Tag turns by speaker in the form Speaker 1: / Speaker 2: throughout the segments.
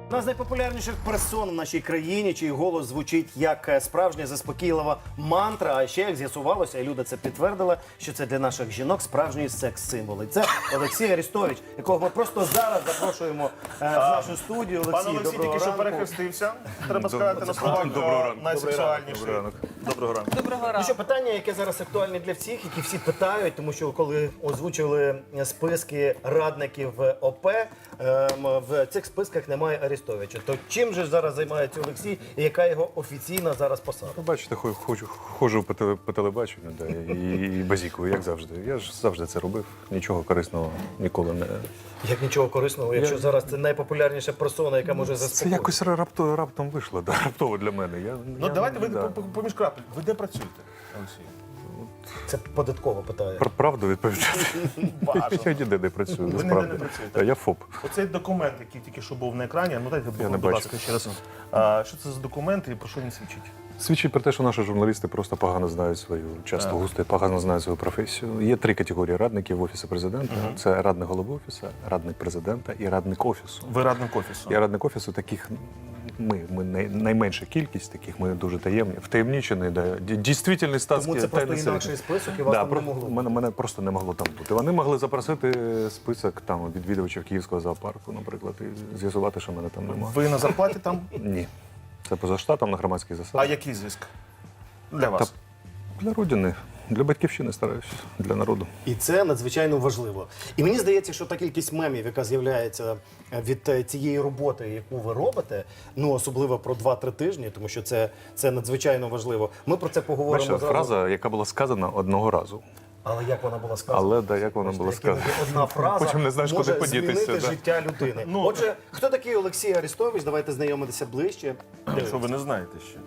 Speaker 1: Одна з найпопулярніших персон в нашій країні, чий голос звучить як справжня заспокійлива мантра. А ще, як з'ясувалося, і Люда це підтвердила, що це для наших жінок справжній секс-символ. І це Олексій Арестович, якого ми просто зараз запрошуємо в нашу студію.
Speaker 2: Пан
Speaker 1: Олексій,
Speaker 2: Олексій
Speaker 1: доброго
Speaker 2: тільки що
Speaker 1: ранку.
Speaker 2: перехрестився. Треба сказати на словах найсексуальніший. Доброго ранку.
Speaker 3: Доброго
Speaker 1: Ну
Speaker 3: ранку.
Speaker 1: що, питання, яке зараз актуальне для всіх, які всі питають, тому що коли озвучили списки радників ОП, в цих списках немає Арестовича. То чим же зараз займається Олексій і яка його офіційна зараз посада?
Speaker 4: Ну, бачите, ходжу по телебаченню, да, і базікую, як завжди. Я ж завжди це робив, нічого корисного ніколи не...
Speaker 1: Як нічого корисного, якщо зараз це найпопулярніша персона, яка може
Speaker 4: Це
Speaker 1: заспокоїти.
Speaker 4: якось раптом вийшло, да, раптово для мене.
Speaker 2: Ну давайте ви
Speaker 4: да.
Speaker 2: поміж крапель. Ви де працюєте, Олексій?
Speaker 1: Це податково питає.
Speaker 4: Про правду відповідати.
Speaker 2: Бажано.
Speaker 4: Я ніде не працюю,
Speaker 2: Ви ніде
Speaker 4: насправді.
Speaker 2: не працюєте?
Speaker 4: Та я ФОП.
Speaker 2: Оцей документ, який тільки що був на екрані, ну дайте,
Speaker 4: Я не
Speaker 2: будь ласка,
Speaker 4: бачу.
Speaker 2: ще раз. Що це за документ і про що він свідчить?
Speaker 4: Свідчить про те, що наші журналісти просто погано знають свою, часто густо погано знають свою професію. Є 3 категорії радників в Офісі президента. Це радник голови Офісу, радник президента і радник Офісу.
Speaker 2: Ви радник Офісу.
Speaker 4: Я радник Офісу, таких ми найменша кількість, таких ми дуже таємні, втаємнічені, да, дійсний статський
Speaker 1: Тому це просто
Speaker 4: тайний
Speaker 1: інакший
Speaker 4: сервіс.
Speaker 1: список і вас
Speaker 4: Да,
Speaker 1: там не могло.
Speaker 4: мене просто не могло там бути. Вони могли запросити список там відвідувачів Київського зоопарку, наприклад, і з'ясувати, що мене там немає.
Speaker 2: Ви на зарплаті там?
Speaker 4: Ні. Це поза штатом на громадських
Speaker 2: А
Speaker 4: засадах.
Speaker 2: який зиск? Для вас?
Speaker 4: Для родини, для батьківщини стараюся, для народу.
Speaker 1: І це надзвичайно важливо. І мені здається, що та кількість мемів, яка з'являється від цієї роботи, яку ви робите, ну особливо про 2-3 тижні, тому що це надзвичайно важливо. Ми про це поговоримо
Speaker 4: Бачите,
Speaker 1: зараз.
Speaker 4: фраза, яка була сказана одного разу.
Speaker 1: Але як вона була сказана?
Speaker 4: Але да, як вона була
Speaker 1: Бачите, як
Speaker 4: сказана.
Speaker 1: іноді одна фраза
Speaker 4: Потім не знаєш,
Speaker 1: може
Speaker 4: куди подітися,
Speaker 1: змінити
Speaker 4: да.
Speaker 1: життя людини. Отже, хто такий Олексій Арестович? Давайте знайомитися ближче.
Speaker 2: Якщо ви не знаєте ще.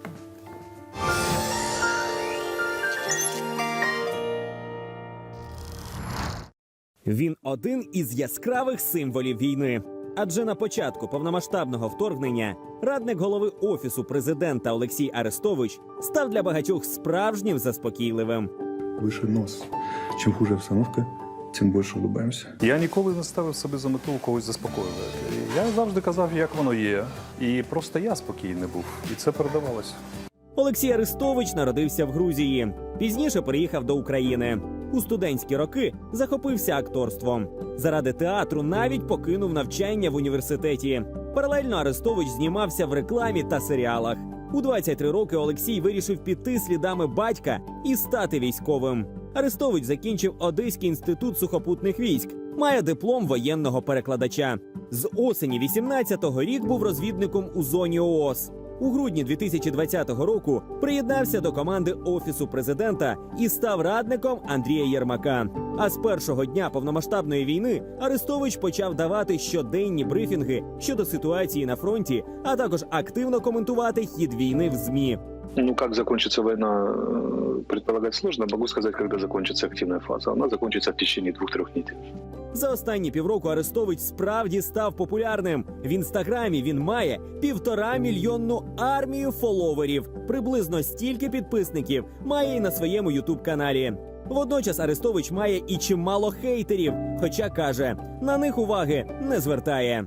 Speaker 5: Він один із яскравих символів війни. Адже на початку повномасштабного вторгнення радник голови Офісу президента Олексій Арестович став для багатьох справжнім заспокійливим.
Speaker 6: Выше нос. Чем хуже обстановка, тем больше улыбаемся.
Speaker 4: Я ніколи не ставив собі за мету когось заспокоювати. Я завжди казав, як воно є. І просто я спокійний був. І це передавалося.
Speaker 5: Олексій Арестович народився в Грузії. Пізніше переїхав до України. У студентські роки захопився акторством. Заради театру навіть покинув навчання в університеті. Паралельно Арестович знімався в рекламі та серіалах. У 23 роки Олексій вирішив піти слідами батька і стати військовим. Арестович закінчив Одеський інститут сухопутних військ. Має диплом воєнного перекладача. З осені 18-го рік був розвідником у зоні ООС. У грудні 2020 року приєднався до команди Офісу президента і став радником Андрія Єрмака. А з першого дня повномасштабної війни Арестович почав давати щоденні брифінги щодо ситуації на фронті, а також активно коментувати хід війни в ЗМІ.
Speaker 7: Ну, как закончится война, предполагать сложно. Могу сказать, когда закончится активная фаза. Она закончится в течение 2-3 недель.
Speaker 5: За останні півроку Арестович справді став популярним. В інстаграмі він має 1,5-мільйонну армію фоловерів. Приблизно стільки підписників має і на своєму ютуб-каналі. Водночас Арестович має і чимало хейтерів, хоча каже, на них уваги не звертає.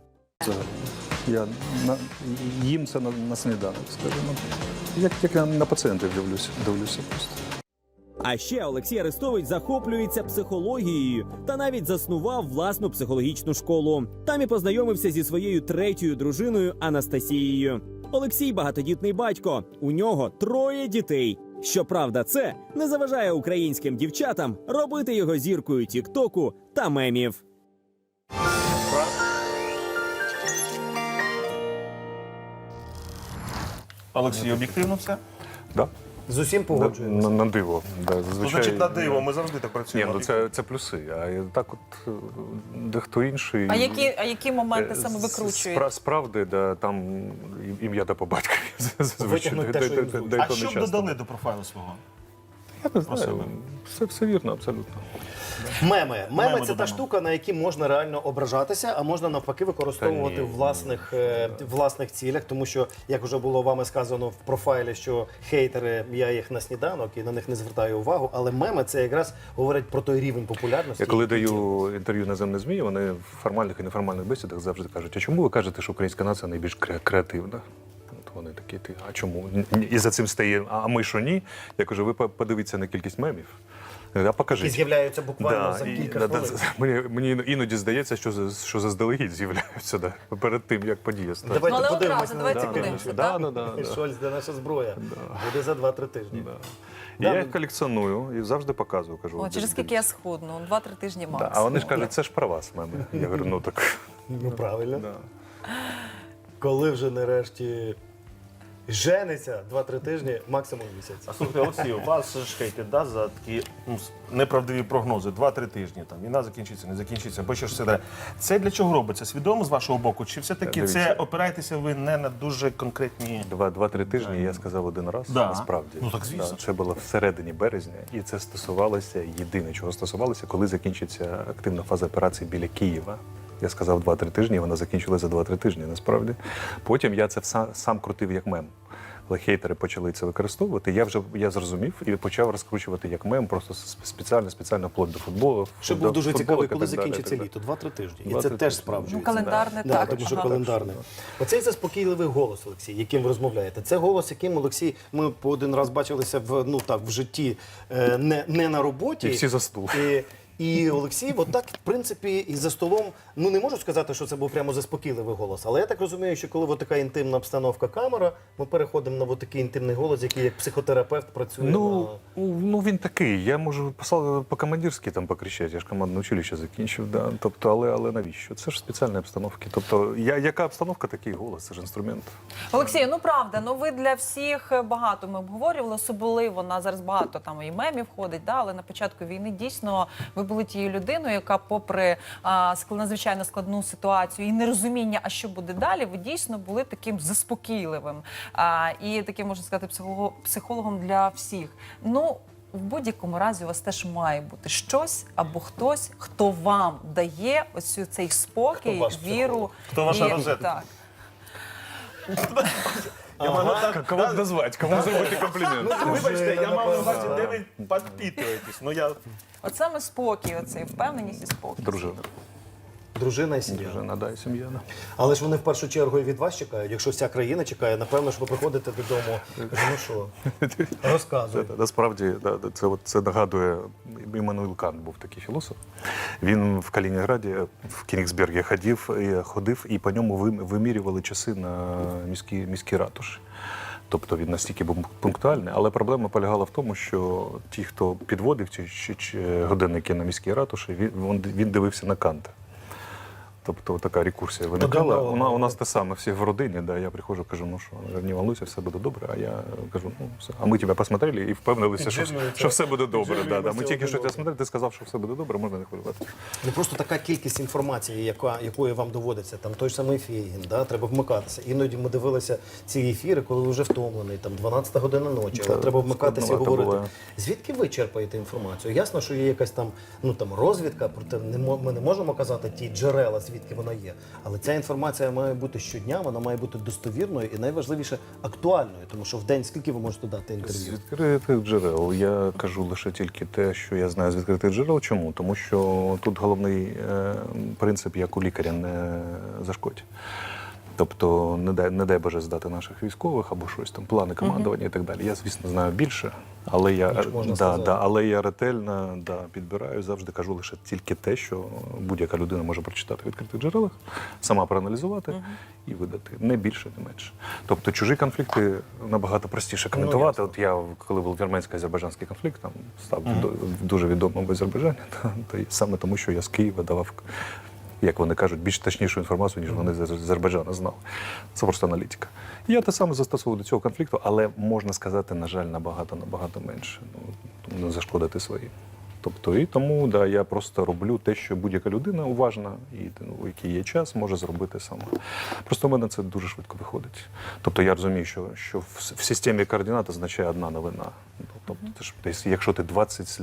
Speaker 4: Я їм це на сніданок, скажімо. Як я на пацієнтів дивлюся просто.
Speaker 5: А ще Олексій Арестович захоплюється психологією та навіть заснував власну психологічну школу. Там і познайомився зі своєю 3-ю дружиною Анастасією. Олексій – багатодітний батько, у нього 3 дітей. Щоправда, це не заважає українським дівчатам робити його зіркою тік-току та мемів.
Speaker 2: Олексій, об'єктивно все?
Speaker 4: Да?
Speaker 1: З усім погоджуємося.
Speaker 4: На диво. Да,
Speaker 2: Ну,
Speaker 4: зазвичай...
Speaker 2: значить, на диво, ми завжди так
Speaker 4: Ні,
Speaker 2: працюємо.
Speaker 4: ну це плюси. А так от дехто інший...
Speaker 3: А які моменти саме викручуєте?
Speaker 4: Справді, да, там ім'я та по батькові.
Speaker 1: Витягнуть те, що їм зручно.
Speaker 2: А що б додали до профайлу свого?
Speaker 4: Я не знаю, все вірно, абсолютно.
Speaker 1: Меми. Меми це та
Speaker 2: додамо.
Speaker 1: штука, на які можна реально ображатися, а можна навпаки використовувати
Speaker 4: Та
Speaker 1: в
Speaker 4: ні.
Speaker 1: власних цілях. Тому що, як вже було вами сказано в профайлі, що хейтери, я їх на сніданок і на них не звертаю увагу. Але меми це якраз говорить про той рівень популярності.
Speaker 4: Я коли
Speaker 1: який
Speaker 4: даю інтерв'ю «Наземне ЗМІ», вони в формальних і неформальних бесідах завжди кажуть, а чому ви кажете, що українська нація найбільш креативна? От вони такі, а чому? І за цим стає, а ми що ні? Я кажу, ви подивіться на кількість мемів. А покажіть.
Speaker 1: які з'являються буквально за кілька хвилин.
Speaker 4: Мені іноді здається, що заздалегідь з'являються перед тим, як подія стане.
Speaker 1: Давайте
Speaker 3: Ну, але
Speaker 1: подивимося
Speaker 3: одразу,
Speaker 1: на
Speaker 3: давайте
Speaker 1: ефективність.
Speaker 3: подивимося,
Speaker 1: Шольц, де наша зброя. Буде за 2-3 тижні.
Speaker 4: І я їх колекціоную і завжди показую. Кажу,
Speaker 3: О, через скільки я схудну? 2-3 тижні
Speaker 4: Да,
Speaker 3: максимум.
Speaker 4: а вони ж кажуть, це ж про вас, меми. Я говорю, ну так.
Speaker 1: Ну правильно.
Speaker 4: Да.
Speaker 1: Коли вже нарешті жениться 2-3 тижні, максимум місяць.
Speaker 2: А слухайте, Олексій, вас ж хейтять, да, за такі неправдиві прогнози. 2-3 тижні, там, війна закінчиться, не закінчиться, бо що ж все далі. Це для чого робиться? Свідомо з вашого боку? Чи все-таки
Speaker 4: Дивіться.
Speaker 2: це опираєтеся ви не на дуже конкретні...
Speaker 4: 2-3 тижні я сказав один раз,
Speaker 2: Да.
Speaker 4: насправді.
Speaker 2: Ну, так, звісно.
Speaker 4: Да, це було всередині березня, і це стосувалося, єдине, чого стосувалося, коли закінчиться активна фаза операції біля Києва. Я сказав 2-3 тижні, і вона закінчилася за 2-3 тижні, насправді. Потім я це сам крутив як мем. Але хейтери почали це використовувати, я зрозумів і почав розкручувати як мем, просто спеціально вплоть до футболу.
Speaker 1: Що
Speaker 4: до
Speaker 1: був дуже
Speaker 4: футболок
Speaker 1: цікавий,
Speaker 4: і
Speaker 1: коли
Speaker 4: так далі,
Speaker 1: закінчиться
Speaker 4: і так
Speaker 1: літо. 2-3 тижні. І
Speaker 4: 2-3
Speaker 1: це теж
Speaker 4: тижні.
Speaker 1: справджується.
Speaker 3: Ну, календарне
Speaker 1: Да,
Speaker 3: також.
Speaker 1: тому що
Speaker 3: Ага.
Speaker 1: календарне. Оцей заспокійливий голос, Олексій, яким ви розмовляєте. Це голос, яким, Олексій, ми по один раз бачилися в житті, не на роботі.
Speaker 4: І всі за стул.
Speaker 1: І Олексій, отак, в принципі, і за столом, ну не можу сказати, що це був прямо заспокійливий голос, але я так розумію, що коли така інтимна обстановка камера, ми переходимо на такий інтимний голос, який як психотерапевт працює
Speaker 4: Ну,
Speaker 1: на...
Speaker 4: ну він такий. Я можу по-командирськи там покричати, я ж командне училище закінчив. Да. Тобто, але навіщо? Це ж спеціальні обстановки. Тобто, яка обстановка, такий голос, це ж інструмент.
Speaker 3: Олексію, ну правда, ну ви для всіх багато ми обговорювали, особливо на зараз багато там і мемів ходить, да, але на початку війни дійсно ви були тією людиною, яка попри надзвичайно складну ситуацію і нерозуміння, а що буде далі, ви дійсно були таким заспокійливим і таким, можна сказати, психологом для всіх. Ну, в будь-якому разі у вас теж має бути щось або хтось, хто вам дає ось цей спокій,
Speaker 1: Хто ваш
Speaker 3: віру.
Speaker 2: Хто ваша
Speaker 3: і-
Speaker 2: розетка?
Speaker 3: Так.
Speaker 4: Кого б назвати, кому зробити комплімент?
Speaker 2: Вибачте, я мав на увазі,
Speaker 1: напевно,
Speaker 2: де ви підпитуєтесь. Ну, я...
Speaker 3: От саме спокій, оцей впевненість і спокій.
Speaker 4: Дружина.
Speaker 1: Дружина і сім'я.
Speaker 4: Дружина, да, і сім'я. Да.
Speaker 1: Але ж вони в першу чергу і від вас чекають. Якщо вся країна чекає, напевно, що ви приходите додому. Ну що, розказуйте.
Speaker 4: Насправді, це нагадує, Іммануїл Кант був такий філософ. Він в Калінінграді, в Кенігсбергі ходив і по ньому вимірювали часи на міській ратуші. Тобто він настільки був пунктуальний, але проблема полягала в тому, що ті, хто підводив ці годинники на міській ратуші, він дивився на Канта. Тобто така рекурсія виникала. У нас те саме, всі в родині, да, я приходжу, кажу, ну що, не волнуйся, все буде добре, а я кажу, ну все. А ми тебе посмотрели і впевнилися, що все буде добре. Да. Ми тільки що тебе смотрели, ти сказав, що все буде добре, можна не хвилювати.
Speaker 1: Не просто така кількість інформації, якої вам доводиться, там той ж самий Фейгін, да, треба вмикатися. Іноді ми дивилися ці ефіри, коли ви вже втомлений, там 12 година ночі, але треба вмикатися і
Speaker 4: складновато
Speaker 1: говорити.
Speaker 4: буває.
Speaker 1: Звідки ви черпаєте інформацію? Ясно, що є якась там, розвідка, проте ми не можемо казати ті джерела, звідки вона є. Але ця інформація має бути щодня, вона має бути достовірною і найважливіше актуальною, тому що в день скільки ви можете дати
Speaker 4: З
Speaker 1: інтерв'ю?
Speaker 4: відкритих джерел. Я кажу лише тільки те, що я знаю з відкритих джерел. Чому? Тому що тут головний принцип, як у лікаря, не зашкодь. Тобто, не дай Боже здати наших військових або щось там, плани командування і так далі. Я, звісно, знаю більше, але але я ретельно підбираю, завжди кажу лише тільки те, що будь-яка людина може прочитати в відкритих джерелах, сама проаналізувати і видати. Не більше, не менше. Тобто чужі конфлікти набагато простіше коментувати. От я, коли був вірменсько-азербайджанський конфлікт, там став дуже відомим в Азербайджані, то саме тому, що я з Києва давав, як вони кажуть, більш точнішу інформацію, ніж вони з Азербайджану знали. Це просто аналітика. Я те саме застосовую до цього конфлікту, але можна сказати, на жаль, набагато менше. Не зашкодити свої. Тобто, і тому да, я просто роблю те, що будь-яка людина уважна і у який є час, може зробити сама. Просто в мене це дуже швидко виходить. Тобто я розумію, що в системі координат означає одна новина. Тобто, ти ж десь, якщо ти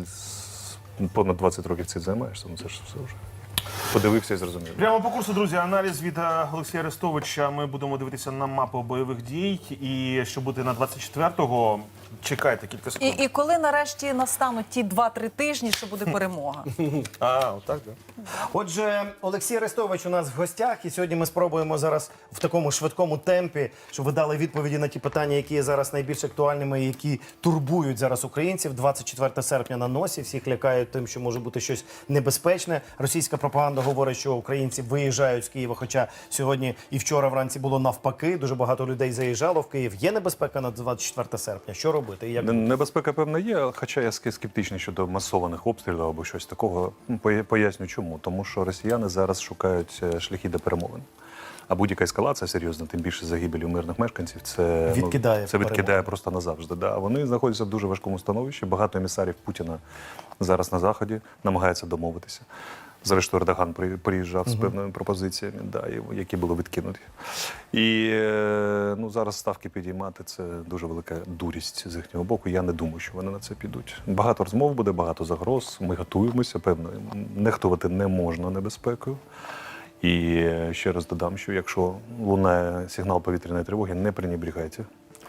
Speaker 4: понад 20 років цим займаєшся, ну це ж все вже. Подивився і зрозумів.
Speaker 2: Прямо по курсу, друзі, аналіз від Олексія Арестовича. Ми будемо дивитися на мапу бойових дій. І що буде на 24-го, чекайте кілька секунд.
Speaker 3: І коли нарешті настануть ті 2-3 тижні, що буде перемога?
Speaker 2: Отак, так?
Speaker 1: Отже, Олексій Арестович у нас в гостях, і сьогодні ми спробуємо зараз в такому швидкому темпі, щоб ви дали відповіді на ті питання, які є зараз найбільш актуальними, і які турбують зараз українців. 24 серпня на носі, всіх лякають тим, що може бути щось небезпечне. Російська пропаганда говорить, що українці виїжджають з Києва, хоча сьогодні і вчора вранці було навпаки. Дуже багато людей заїжджало в Київ. Є небезпека на 24 серпня? Що робити? І як
Speaker 4: Небезпека, певна, є, хоча я скептичний щодо масованих обстрілів або щось такого. Поясню чому. Тому що росіяни зараз шукають шляхи до перемовин. А будь-яка ескалація серйозна, тим більше загибелі мирних мешканців, це відкидає просто назавжди. Да. Вони знаходяться в дуже важкому становищі. Багато емісарів Путіна зараз на Заході намагаються домовитися. Зрештою, Ердоган приїжджав з певними пропозиціями, да, які були відкинуті. І зараз ставки підіймати – це дуже велика дурість з їхнього боку. Я не думаю, що вони на це підуть. Багато розмов буде, багато загроз. Ми готуємося, певно. Нехтувати не можна небезпекою. І ще раз додам, що якщо лунає сигнал повітряної тривоги, не пренебрігайте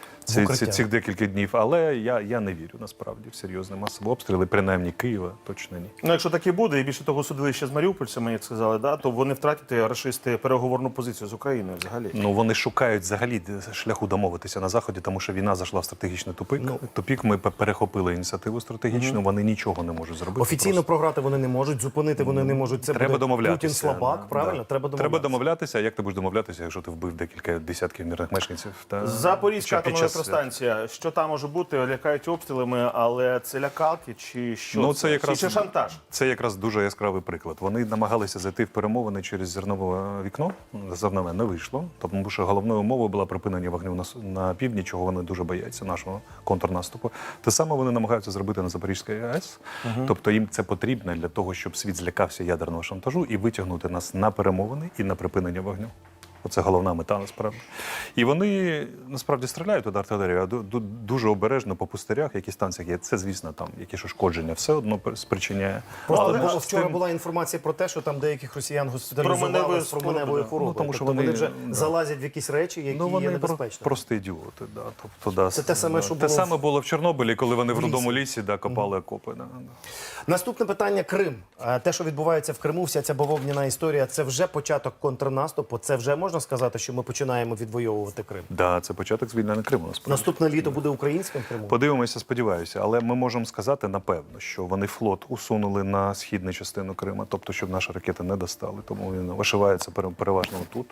Speaker 4: цих декілька днів. Але я не вірю, насправді, в серйозні масові обстріли, принаймні Києва, точно ні.
Speaker 2: Ну, якщо так і буде, і більше того судилище з маріупольцями, як сказали, да, то вони втратять рашисти переговорну позицію з Україною взагалі.
Speaker 4: Ну, вони шукають взагалі шляху домовитися на Заході, тому що війна зайшла в стратегічний тупик. Тупік, ми перехопили ініціативу стратегічну, вони нічого не можуть зробити.
Speaker 1: Офіційно програти вони не можуть, зупинити вони не можуть. Це
Speaker 4: треба
Speaker 1: буде
Speaker 4: домовлятися.
Speaker 1: Путін слабак, правильно?
Speaker 4: Да. Треба домовлятися. Як ти будеш домовлятися, якщо ти вбив декілька десятків мирних мешканців?
Speaker 2: Запорізька атомна електростанція. Що там може бути? Лякають обстрілами, але це лякалки чи що?
Speaker 4: Ну, це якраз,
Speaker 2: чи шантаж?
Speaker 4: Це якраз дуже яскравий приклад. Вони намагалися зайти в перемовини через зернове вікно. Зернове не вийшло, тому що головною умовою була припинення вогню на півдні, чого вони дуже бояться, нашого контрнаступу. Те саме вони намагаються зробити на Запорізькій АЕС. Тобто їм це потрібно для того, щоб світ злякався ядерного шантажу і витягнути нас на перемовини і на припинення вогню. Оце головна мета, насправді. І вони, насправді, стріляють туди артилерію, а дуже обережно по пустирях, які станціях є. Це, звісно, там якісь ушкодження все одно спричиняє.
Speaker 1: Просто вчора була інформація про те, що там деяких росіян госпіталізували з променевою хворобою.
Speaker 4: Тому що
Speaker 1: вони вже залазять в якісь речі, які є небезпечними.
Speaker 4: Просто ідіоти. Да. Тобто,
Speaker 1: це те саме, що було...
Speaker 4: Те саме було в Чорнобилі, коли вони в Рудому лісі копали окопи.
Speaker 1: Наступне питання – Крим. Те, що відбувається в Криму, вся ця бавовняна історія, це вже початок контрнаступу, це вже можна сказати, що ми починаємо відвоювати Крим?
Speaker 4: Так, да, це початок звільнення Криму, насправді.
Speaker 1: Наступне літо буде українським Кримом?
Speaker 4: Подивимося, сподіваюся. Але ми можемо сказати, напевно, що вони флот усунули на східну частину Криму, тобто, щоб наші ракети не достали. Тому він вишивається переважно тут.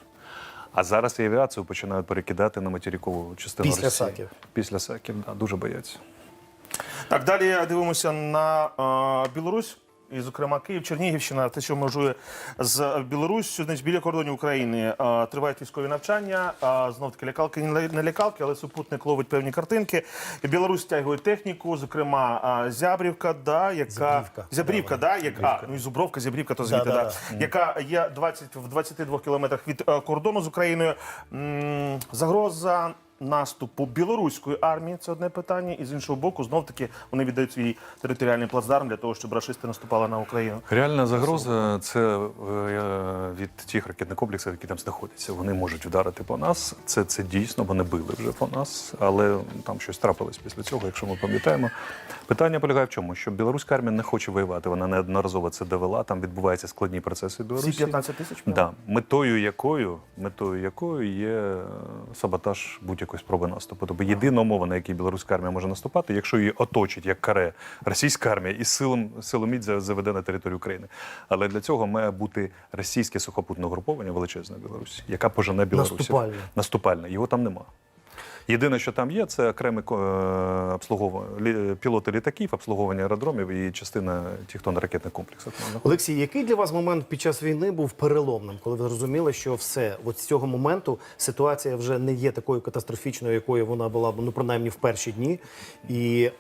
Speaker 4: А зараз і авіацію починають перекидати на материкову частину Росії.
Speaker 1: Після Саків? Після
Speaker 4: Саків, так, да, дуже бояться.
Speaker 2: Так, далі дивимося на Білорусь. І, зокрема, Київ, Чернігівщина, те, що межує з Білоруссю, значить, біля кордонів України тривають військові навчання. Знов-таки лякалки, не лякалки, але супутник ловить певні картинки. Білорусь стягує техніку, зокрема, Зябрівка, да, яка... Зябрівка, да, яка... Ну, і Зубровка, Зябрівка, то звідти, да. Яка є в 22 кілометрах від кордону з Україною. Загроза наступу білоруської армії – це одне питання, і з іншого боку, знов-таки, вони віддають свій територіальний плацдарм для того, щоб рашисти наступали на Україну.
Speaker 4: Реальна загроза – це від тих ракетних комплексів, які там знаходяться. Вони можуть вдарити по нас. Це дійсно, вони били вже по нас, але там щось трапилось після цього, якщо ми пам'ятаємо. Питання полягає в чому? Що білоруська армія не хоче воювати, вона неодноразово це довела, там відбуваються складні процеси в Білорусі.
Speaker 2: Всі 15 тисяч?
Speaker 4: Да. Метою якою є саботаж будь-якої спроби наступу. Тобто єдина умова, на якій білоруська армія може наступати, якщо її оточить як каре російська армія і силоміць заведе на територію України. Але для цього має бути російське сухопутне угруповання величезне в Білорусі, яка пожене білорусів.
Speaker 1: Наступальне.
Speaker 4: Наступальне. Його там нема. Єдине, що там є, це окремі пілоти літаків, обслуговування аеродромів і частина тектонно-ракетних комплексів.
Speaker 1: Олексій, який для вас момент під час війни був переломним, коли ви зрозуміли, що все, от з цього моменту ситуація вже не є такою катастрофічною, якою вона була, ну, принаймні, в перші дні, і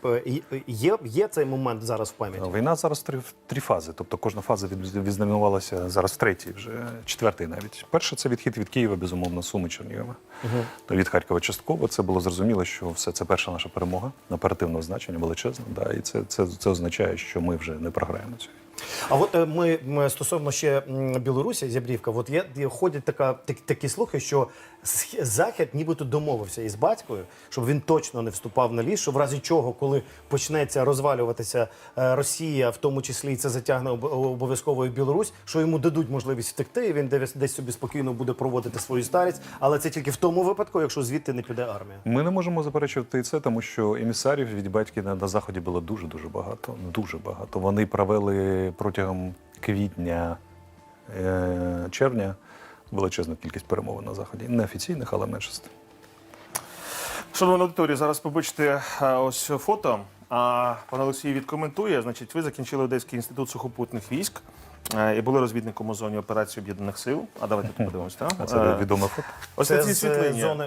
Speaker 1: є цей момент зараз в пам'яті?
Speaker 4: Війна зараз три фази, тобто кожна фаза відзнаменувалася зараз в третій, вже четвертий навіть. Перше – це відхід від Києва, безумовно, Суми, Чернігова. Від Харкова частково. Це було зрозуміло, що все це перша наша перемога, оперативного значення, величезна. Да, і це означає, що ми вже не програємо цю.
Speaker 1: А от ми стосовно ще Білорусі, Зябрівка, от ходять такі слухи, що Захід нібито домовився із батькою, щоб він точно не вступав на ліс, що в разі чого, коли почнеться розвалюватися Росія, в тому числі і це затягне обов'язково і Білорусь, що йому дадуть можливість втекти, і він десь собі спокійно буде проводити свою старість, але це тільки в тому випадку, якщо звідти не піде армія.
Speaker 4: Ми не можемо заперечувати і це, тому що емісарів від батьків на Заході було дуже-дуже багато. Дуже багато. Вони провели протягом квітня, червня величезну кількість перемовин на Заході. Неофіційних, але менше з тим.
Speaker 2: Шановна аудиторія, зараз побачите ось фото. А пан Олексій відкоментує. Значить, ви закінчили Одеський інститут сухопутних військ і були розвідником у зоні операції Об'єднаних Сил. А давайте тут подивимось, так?
Speaker 4: А це відоме фото.
Speaker 2: Ось
Speaker 1: Це
Speaker 2: на цій
Speaker 1: з
Speaker 2: світлині.
Speaker 1: зони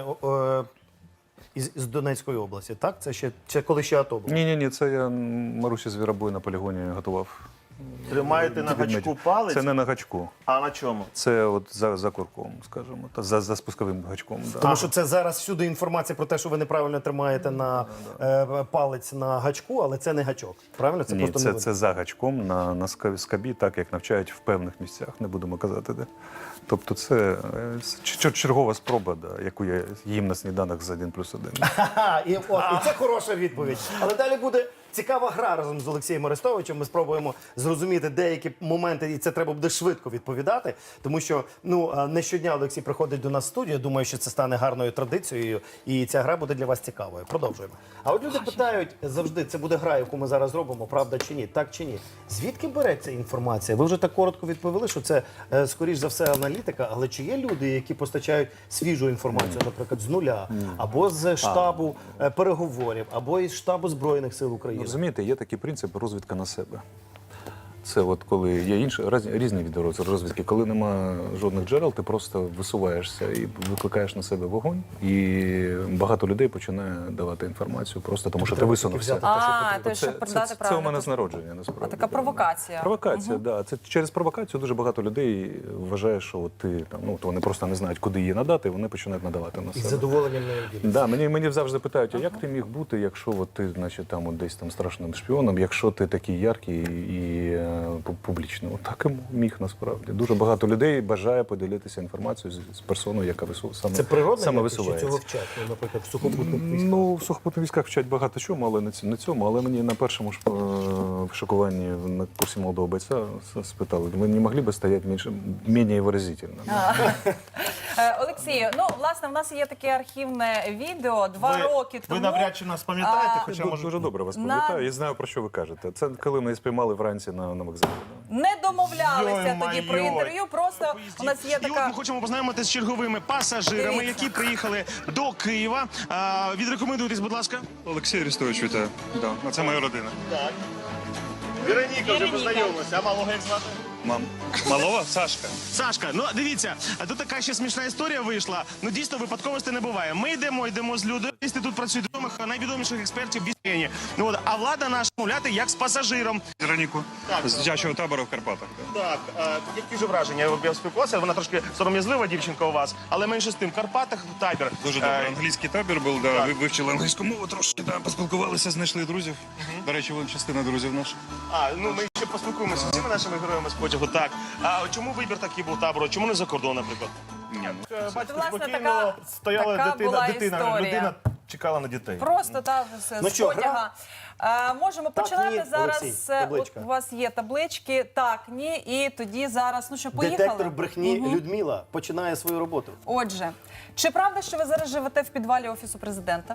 Speaker 1: із Донецької області, так? Це ще коли ще АТО було?
Speaker 4: Ні, це я Марусі Звіробой на полігоні готував.
Speaker 2: Тримаєте на гачку палець,
Speaker 4: Це не на гачку.
Speaker 2: а на чому?
Speaker 4: Це от за курком, скажімо, та за спусковим гачком. Да.
Speaker 1: Тому що це зараз всюди інформація про те, що ви неправильно тримаєте на палець на гачку, але це не гачок. Правильно? Це
Speaker 4: Ні,
Speaker 1: просто не
Speaker 4: це за гачком на скабі, так як навчають в певних місцях, не будемо казати де. Тобто це чергова спроба, да, яку я їм на сніданок з 1+1.
Speaker 1: Ха-ха, і це хороша відповідь. Але далі буде цікава гра разом з Олексієм Арестовичем. Ми спробуємо зрозуміти деякі моменти, і це треба буде швидко відповідати. Тому що не щодня Олексій приходить до нас в студію. Думаю, що це стане гарною традицією, і ця гра буде для вас цікавою. Продовжуємо. А от люди питають завжди, це буде гра, яку ми зараз робимо, правда чи ні, так чи ні. Звідки береться інформація? Ви вже так коротко відповіли, що це, скоріш за все, аналітика, але чи є люди, які постачають свіжу інформацію, наприклад, з нуля, або з штабу переговорів, або із штабу Збройних сил України?
Speaker 4: Розумієте, є такий принцип розвідка на себе. Це от коли є інші різні види розвідки. Коли нема жодних джерел, ти просто висуваєшся і викликаєш на себе вогонь, і багато людей починає давати інформацію просто тому, що ти висунувся.
Speaker 3: То щоб передати
Speaker 4: Це у
Speaker 3: правильно.
Speaker 4: мене з народження, насправді.
Speaker 3: А така провокація.
Speaker 4: Провокація, да. Це через провокацію дуже багато людей вважає, що от ти там, вони просто не знають, куди її надати, і вони починають надавати на
Speaker 1: І з
Speaker 4: себе.
Speaker 1: задоволенням не діляться.
Speaker 4: Да, мені завжди питають, а як ти міг бути, якщо от ти, значить, там от десь там страшним шпіоном, якщо ти такий яркий і публічний? От так і міг насправді. Дуже багато людей бажає поділитися інформацією з персоною, яка
Speaker 1: Це природне,
Speaker 4: саме
Speaker 1: якось, чи
Speaker 4: висувається.
Speaker 1: цього вчать, наприклад, в сухопутних військах?
Speaker 4: Ну, в сухопутних військах вчать багато чому, але не цьому. Але мені на першому ж шокуванні на курсі молодого бойця спитали, ви не могли б стояти менш виразительно?
Speaker 3: Олексію, власне, в нас є таке архівне відео 2 роки тому.
Speaker 2: Ви навряд чи нас пам'ятаєте, хоча
Speaker 4: Я
Speaker 2: може...
Speaker 4: дуже добре вас пам'ятаю і знаю, про що ви кажете. Це коли мене спіймали вранці на вокзалі.
Speaker 3: Не домовлялися тоді про
Speaker 2: Йой-майой.
Speaker 3: інтерв'ю, просто у нас є
Speaker 8: І от
Speaker 3: така...
Speaker 8: ми хочемо познайомитися з черговими пасажирами,
Speaker 3: Дивіться.
Speaker 8: які приїхали до Києва. Відрекомендуйтесь, будь ласка.
Speaker 6: Олексій Арестович, вітаю. Да. Це моя родина.
Speaker 2: Вероніка вже познайомилася, а малого як звати?
Speaker 6: Мам. Малова? Сашка.
Speaker 8: Сашка, дивіться, тут така ще смішна історія вийшла. Дійсно, випадковості не буває. Ми йдемо з людьми, тут працюють найвідоміших експертів в Біспені. А влада наша мовляти як з пасажиром.
Speaker 6: Вероніку. З дитячого табору в Карпатах.
Speaker 2: Так, які ж враження? Я спілкувався, вона трошки сором'язлива дівчинка у вас, але менше з тим, в Карпатах табір.
Speaker 6: Дуже добре. Англійський табір був, да. Вивчили англійську мову трошки, да, поспілкувалися, знайшли друзів. До речі, вон частина друзів наших.
Speaker 2: Ми ще поспілкуємося з цими нашими героями з потягу. Так. А чому вибір такий був табору? Чому не за кордон, наприклад?
Speaker 6: Ні,
Speaker 2: Бачите,
Speaker 3: Власне,
Speaker 2: спокійно стояла
Speaker 3: така була
Speaker 2: дитина,
Speaker 3: історія.
Speaker 2: людина чекала на дітей.
Speaker 3: Просто з
Speaker 1: що,
Speaker 3: потяга. Можемо
Speaker 1: Так,
Speaker 3: починати
Speaker 1: ні,
Speaker 3: зараз.
Speaker 1: Олексій, табличка.
Speaker 3: От у вас є таблички, так, ні, і тоді зараз, поїхали.
Speaker 1: Детектор брехні Людмила починає свою роботу.
Speaker 3: Отже, чи правда, що ви зараз живете в підвалі Офісу Президента?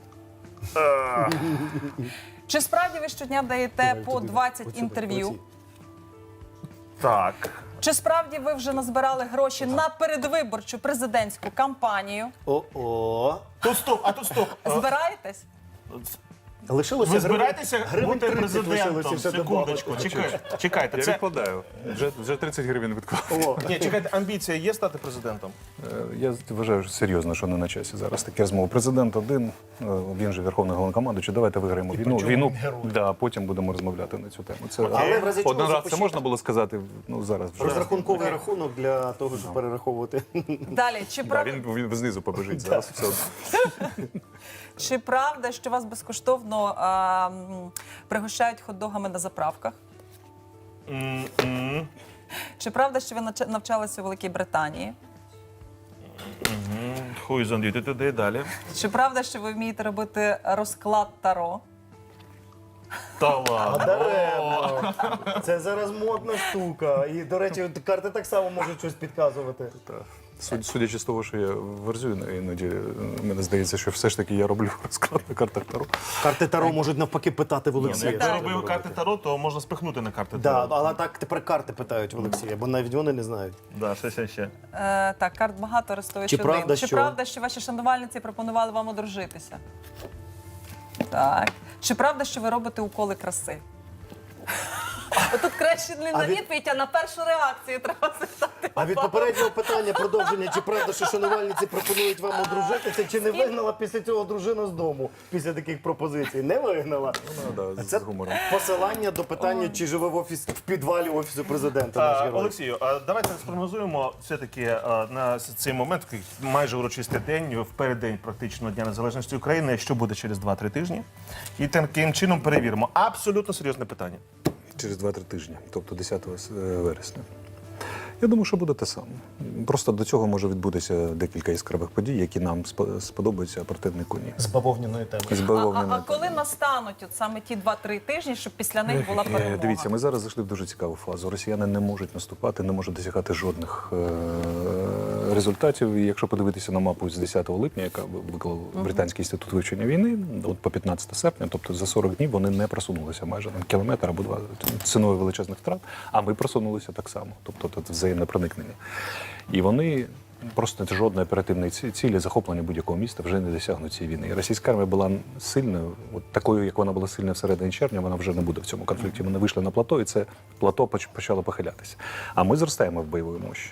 Speaker 3: Чи справді ви щодня даєте по 20 інтерв'ю?
Speaker 2: Так.
Speaker 3: Чи справді ви вже назбирали гроші на передвиборчу президентську кампанію?
Speaker 1: О-о.
Speaker 2: Тут стоп, а тут стоп.
Speaker 3: Збираєтесь?
Speaker 1: Лишилося
Speaker 2: Ви збираєтеся
Speaker 1: гривень
Speaker 2: бути
Speaker 1: 30
Speaker 2: президентом?
Speaker 1: лишилося ще
Speaker 2: Секундочку,
Speaker 1: добавити.
Speaker 2: чекайте.
Speaker 4: Я
Speaker 2: Це...
Speaker 4: відкладаю. Вже 30 гривень відклав.
Speaker 1: О,
Speaker 2: Ні, чекайте, амбіція є стати президентом?
Speaker 4: Я вважаю серйозно, що не на часі зараз такі розмови. Президент один, він же верховний головнокомандуючий, давайте виграємо війну. Да, потім будемо розмовляти на цю тему. Це
Speaker 1: Але в разі чого
Speaker 4: один раз це
Speaker 1: запишіть.
Speaker 4: можна було сказати, зараз вже.
Speaker 1: розрахунковий рахунок для того, щоб перераховувати.
Speaker 3: Далі, чи,
Speaker 4: Да, він знизу побежить зараз. Все одно.
Speaker 3: чи правда, що вас безкоштовно пригощають хот-догами на заправках? Чи правда, що ви навчалися у Великій Британії?
Speaker 2: Хуй зондіти туди далі.
Speaker 3: Чи правда, що ви вмієте робити розклад Таро?
Speaker 2: Та ладно.
Speaker 1: Даремно. Це зараз модна штука. І, до речі, карти так само можуть щось підказувати.
Speaker 4: Судячи з того, що я верзю іноді, мені здається, що все ж таки я роблю розклад на картах Таро.
Speaker 1: Карти Таро можуть навпаки питати в
Speaker 2: Ні, ну,
Speaker 1: Олексія.
Speaker 2: як ти робив карти Таро, то можна спихнути на карти
Speaker 1: Да,
Speaker 2: Таро.
Speaker 1: але так тепер карти питають в Олексія, бо навіть вони не знають.
Speaker 2: Да, ще.
Speaker 3: Так, карт багато, Арестович
Speaker 1: Чи
Speaker 3: один.
Speaker 1: правда,
Speaker 3: Чи
Speaker 1: що-
Speaker 3: правда, що ваші шанувальниці пропонували вам одружитися? Так. Чи правда, що ви робите уколи краси? Отут краще не на
Speaker 1: від-
Speaker 3: відповідь, а на першу реакцію треба запитати.
Speaker 1: А від попереднього питання продовження, чи правда, що шанувальниці пропонують вам одружитися, чи не вигнала після цього дружина з дому, після таких пропозицій? Не вигнала?
Speaker 4: Да,
Speaker 1: Це
Speaker 4: з гумором.
Speaker 1: посилання до питання, чи живе в підвалі Офісу президента наш герой.
Speaker 2: Олексію, давайте спрогнозуємо все-таки на цей момент, такий майже урочистий день, в переддень практично Дня Незалежності України, що буде через 2-3 тижні. І таким чином перевіримо. Абсолютно серйозне питання.
Speaker 4: Через 2-3 тижні, тобто 10 вересня. Я думаю, що буде те саме. Просто до цього може відбутися декілька яскравих подій, які нам сподобаються, а противнику ні.
Speaker 1: З бавовняної теми.
Speaker 4: З
Speaker 3: А
Speaker 4: бавовняною
Speaker 3: коли настануть от саме ті 2-3 тижні, щоб після них була перемога?
Speaker 4: Дивіться, ми зараз зайшли в дуже цікаву фазу. Росіяни не можуть наступати, не можуть досягати жодних результатів. І якщо подивитися на мапу з 10 липня, яка виклав Британський інститут вивчення війни, от по 15 серпня, тобто за 40 днів вони не просунулися майже на кілометр або два ціною величезних втрат, а ми просунулися так само. Тобто це взаємне проникнення. І вони просто жодної оперативної цілі захоплення будь-якого міста вже не досягнуть цієї війни. І російська армія була сильною, от такою, як вона була сильна всередині червня, вона вже не буде в цьому конфлікті. Вони вийшли на плато, і це плато почало похилятися. А ми зростаємо в бойовій мощі.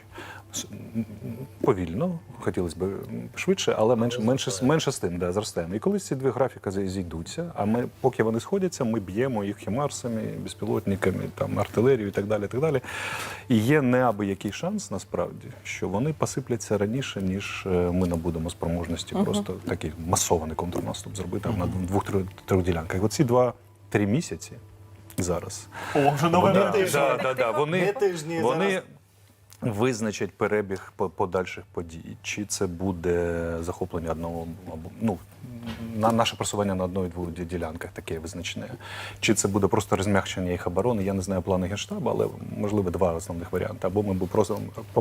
Speaker 4: Повільно, хотілося б швидше, але менше з тим, да, зростаємо. І коли ці дві графіки зійдуться, а ми, поки вони сходяться, ми б'ємо їх хімарсами, безпілотниками, там, артилерією і так далі, і так далі. І є неабиякий шанс, насправді, що вони посипляться раніше, ніж ми набудемо спроможності просто такий масований контрнаступ зробити на 2-3 ділянках. Оці 2-3 місяці зараз.
Speaker 2: О, вже нове
Speaker 1: Не тижні
Speaker 4: Вони
Speaker 1: зараз.
Speaker 4: визначать перебіг подальших подій. Чи це буде захоплення одного, або наше просування на одної-двох ділянках таке визначне. Чи це буде просто розм'якшення їх оборони? Я не знаю плани Генштабу, але можливо два основних варіанти. Або ми будемо просто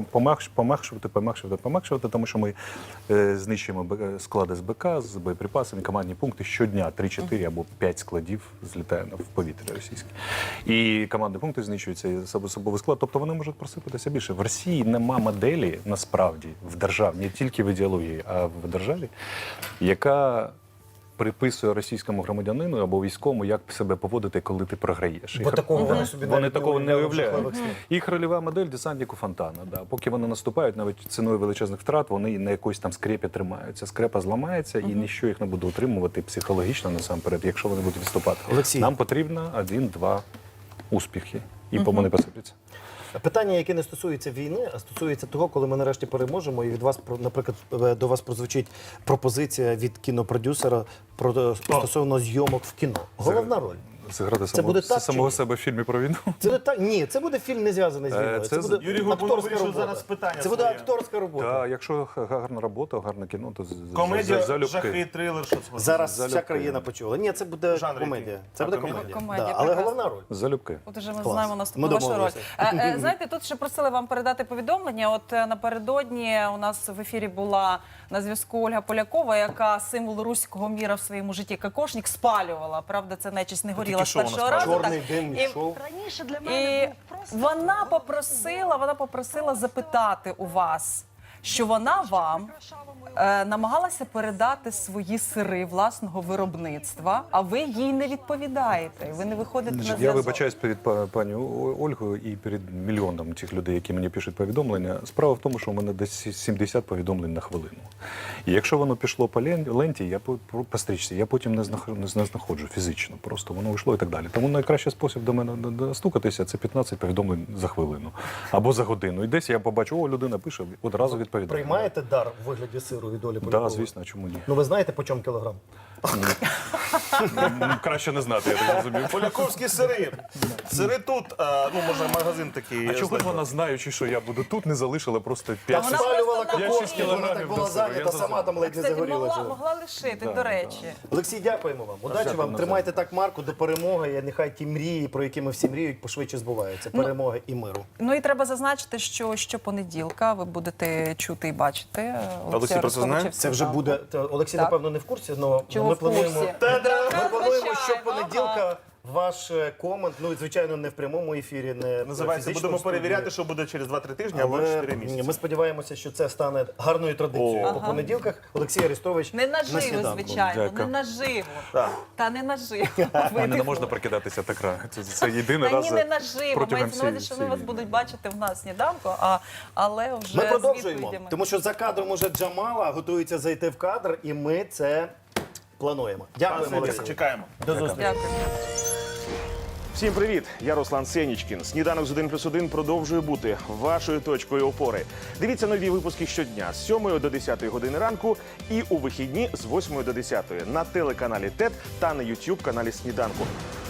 Speaker 4: пом'якшувати, тому що ми знищуємо склади з БК, з боєприпасами, командні пункти щодня 3-4 або 5 складів злітає в повітря російське. І командні пункти знищуються, і особовий склад, тобто вони можуть просипатися більше. В Росії нема моделі, насправді, в державі, не тільки в ідеології, а в державі, яка приписує російському громадянину або військовому, як себе поводити, коли ти програєш.
Speaker 1: Бо такого вони собі навіть
Speaker 4: такого не уявляють.
Speaker 1: жахливих снів.
Speaker 4: Їх рольова модель десантнику Фонтана. Да. Поки вони наступають, навіть ціною величезних втрат, вони на якоїсь там скрепі тримаються. Скрепа зламається, і ніщо їх не буде утримувати психологічно насамперед, якщо вони будуть відступати.
Speaker 1: Олексій.
Speaker 4: Нам потрібно 1-2 успіхи, і вони посипляться.
Speaker 1: Питання, яке не стосується війни, а стосується того, коли ми нарешті переможемо, і від вас, наприклад, до вас прозвучить пропозиція від кінопродюсера стосовно зйомок в кіно. Головна роль.
Speaker 4: Зіграти
Speaker 1: буде так,
Speaker 4: самого
Speaker 1: чи ні?
Speaker 4: себе в фільмі про війну.
Speaker 1: Це не так. Ні, це буде фільм не зв'язаний з війною.
Speaker 4: Це
Speaker 1: Це буде
Speaker 2: Юрій Горбунов
Speaker 1: акторська
Speaker 2: вирішив
Speaker 1: робота.
Speaker 2: зараз питання
Speaker 1: Це буде
Speaker 2: своє.
Speaker 1: акторська робота.
Speaker 4: Так, якщо гарна робота, гарне кіно, то
Speaker 2: Комедія,
Speaker 4: залюбки.
Speaker 2: жахи, трилер, що це?
Speaker 1: Зараз
Speaker 4: Залюбки.
Speaker 1: вся країна почула. Ні, це буде
Speaker 2: Жанр
Speaker 1: комедія.
Speaker 2: який?
Speaker 1: Це
Speaker 2: А,
Speaker 1: буде
Speaker 2: комедія?
Speaker 3: Комедія,
Speaker 1: Да, але
Speaker 3: прекрасно.
Speaker 1: головна роль.
Speaker 4: Залюбки.
Speaker 3: От уже ми
Speaker 1: Клас.
Speaker 3: знаємо
Speaker 1: Ми
Speaker 3: наступну вашу роль.
Speaker 1: домовилися.
Speaker 3: Знаєте, тут ще просили вам передати повідомлення. От напередодні у нас в ефірі була на зв'язку Ольга Полякова, яка символ руського міра в своєму житті кокошник спалювала. Правда, це нечисть не горіла. зрозуміла з
Speaker 2: шоу,
Speaker 3: першого
Speaker 2: насправді.
Speaker 3: разу.
Speaker 1: Чорний
Speaker 3: так.
Speaker 1: дим
Speaker 3: І-
Speaker 1: шоу.
Speaker 9: Раніше для
Speaker 3: І
Speaker 9: мене був просто
Speaker 3: вона попросила запитати у вас, що вона вам намагалася передати свої сири власного виробництва, а ви їй не відповідаєте. І ви не виходите на
Speaker 4: Я
Speaker 3: зв'язок.
Speaker 4: вибачаюсь перед пані Ольгою і перед мільйоном тих людей, які мені пишуть повідомлення. Справа в тому, що у мене десь 70 повідомлень на хвилину. І якщо воно пішло по ленті, я по стрічці, я потім не знаходжу фізично, просто воно йшло і так далі. Тому найкращий спосіб до мене достукатися – це 15 повідомлень за хвилину або за годину. І десь я побачу, о, людина пише, одразу відповідає.
Speaker 1: Приймаєте дар у вигляді сиру від Олі
Speaker 4: Так,
Speaker 1: Полякової?
Speaker 4: звісно, а чому ні?
Speaker 1: Ну ви знаєте, по чому кілограм?
Speaker 4: Краще не знати, я так розумію.
Speaker 2: Поляковські сири. Сири тут, ну, може, магазин такий.
Speaker 4: А чого ж вона, знаючи, що я буду тут, не залишила просто
Speaker 3: А
Speaker 4: 5
Speaker 3: вона
Speaker 1: Спалювала
Speaker 3: просто
Speaker 1: кокос,
Speaker 3: навмисно.
Speaker 1: вона так була
Speaker 4: до себе,
Speaker 1: зайнята,
Speaker 4: я
Speaker 1: сама там ледь не
Speaker 3: Кстати,
Speaker 1: загорілася.
Speaker 3: могла лишити, до речі.
Speaker 1: Олексій, дякуємо вам. Удачі
Speaker 4: Дякую,
Speaker 1: вам.
Speaker 4: Назар.
Speaker 1: Тримайте так марку до перемоги. І нехай ті мрії, про які ми всі мріють, пошвидше збуваються. Перемоги і миру.
Speaker 3: Ну і треба зазначити, що щопонеділка ви будете чути і бачити
Speaker 2: Олексій про це знає?
Speaker 3: Арестовича в
Speaker 1: Це вже
Speaker 3: сніданку.
Speaker 1: буде. Олексій,
Speaker 3: Так.
Speaker 1: напевно, не в курсі, але
Speaker 3: Чого
Speaker 1: ми
Speaker 3: в курсі?
Speaker 1: плануємо. Ми плануємо, що
Speaker 3: Звичайно,
Speaker 1: понеділка ваш комент, ну звичайно, не в прямому ефірі, не
Speaker 2: Називається,
Speaker 1: фізично
Speaker 2: будемо
Speaker 1: в студії.
Speaker 2: перевіряти, що буде через 2-3 тижні або 4 місяці.
Speaker 1: ми сподіваємося, що це стане гарною традицією. По понеділках Олексій Арестович
Speaker 3: Не
Speaker 1: на
Speaker 3: наживо,
Speaker 1: сніданку.
Speaker 3: звичайно,
Speaker 4: Дякую.
Speaker 3: не наживо.
Speaker 2: Так.
Speaker 3: Та не наживо.
Speaker 4: Мене не можна прокидатися так рано. Це єдиний
Speaker 3: Та
Speaker 4: раз
Speaker 3: ні, не наживо.
Speaker 4: протягом
Speaker 3: Мається на увазі, що ми вас
Speaker 4: всієї
Speaker 3: будуть бачити в нас сніданку, але вже
Speaker 1: Ми
Speaker 3: з
Speaker 1: продовжуємо,
Speaker 3: відповідями.
Speaker 1: тому що за кадром уже Джамала готується зайти в кадр, і ми це плануємо. Дякуємо, Олексій.
Speaker 2: Чекаємо.
Speaker 1: До зустрічі.
Speaker 3: Дякую.
Speaker 2: Всім привіт! Я Руслан Сенічкін. Сніданок з 1+1 продовжує бути вашою точкою опори. Дивіться нові випуски щодня з 7 до 10 години ранку і у вихідні з 8 до 10 на телеканалі ТЕТ та на YouTube каналі Сніданку.